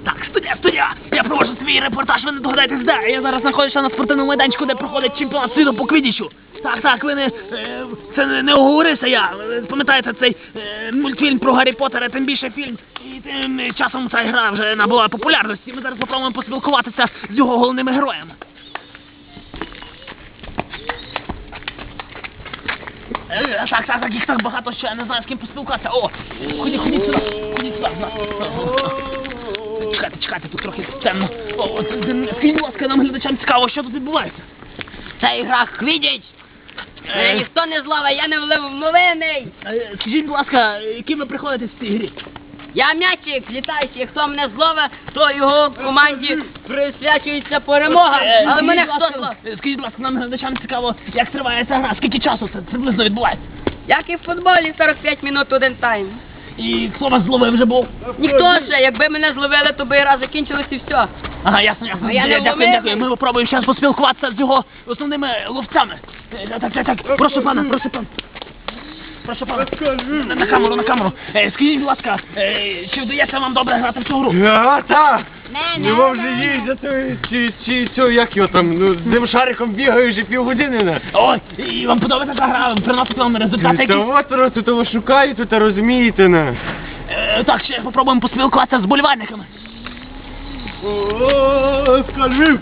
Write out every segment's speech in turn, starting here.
Так, студія! Я проводжу свій репортаж, ви не догадаєтесь, де? Я зараз знаходжуся на спортивному майданчику, де проходить чемпіонат світу по квіддічу. Так, ви не... Це не оговорився я. Пам'ятаєте цей мультфільм про Гаррі Поттера, тим більше фільм. І тим часом ця гра вже набула популярності. Ми зараз попробуємо поспілкуватися з його головними героями. Так, їх так багато, що я не знаю, з ким поспілкуватися. О, ходіть сюди. Чекайте, тут трохи темно. Скажіть, будь ласка, нам глядачам цікаво, що тут відбувається? Це ігра Квіддіч. Мене ніхто не зловить, я не вловлений. Скажіть, будь ласка, яким ви приходите в цій грі? Я м'ячик літаючий, хто мене зловить, то його команді присвячується перемога. Але мене хто зловить? Скажіть, будь ласка, нам глядачам цікаво, як триває ця гра, скільки часу це приблизно відбувається? Як і в футболі, 45 минут один тайм. І хто вас зловив вже був? Ніхто ще, якби мене зловили, то би гра закінчилась і все. Ага, ясно. Дякую. Ми попробуємо зараз поспілкуватися з його основними ловцями. Так. Прошу пана. На камеру. Скажіть, будь ласка, чи вдається вам добре грати в цю гру? Так! Не мов же їздити, як його там, з тим шариком бігаю вже півгодини, не? Ой, і вам подобається ця гра, приносить вам результати Та які? от, тут того шукаю, тут розумієте, не? Так, ще попробуємо поспілкуватися з болівальниками. Скажи!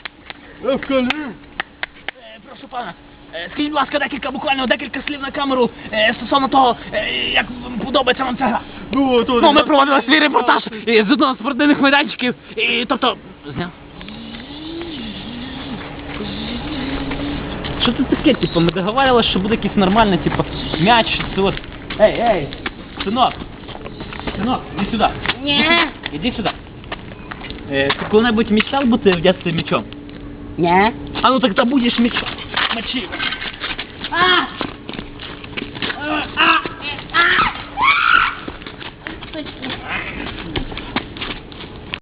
Прошу пана, скажіть, будь ласка, буквально декілька слів на камеру стосовно того, як подобається вам ця гра. Ми проводили свій репортаж з одного з спортивних майданчиків, і тобто... Зняв? Що це таке, типу, ми договарювалися, що буде якийсь нормальний, типу, м'яч, це от... Ей, синок, іди сюди. Ні. Іди сюди. Ти коли-небудь мечтав бути в дитинстві м'ячом? Ні. А ну тогда будешь мячом. Мочи.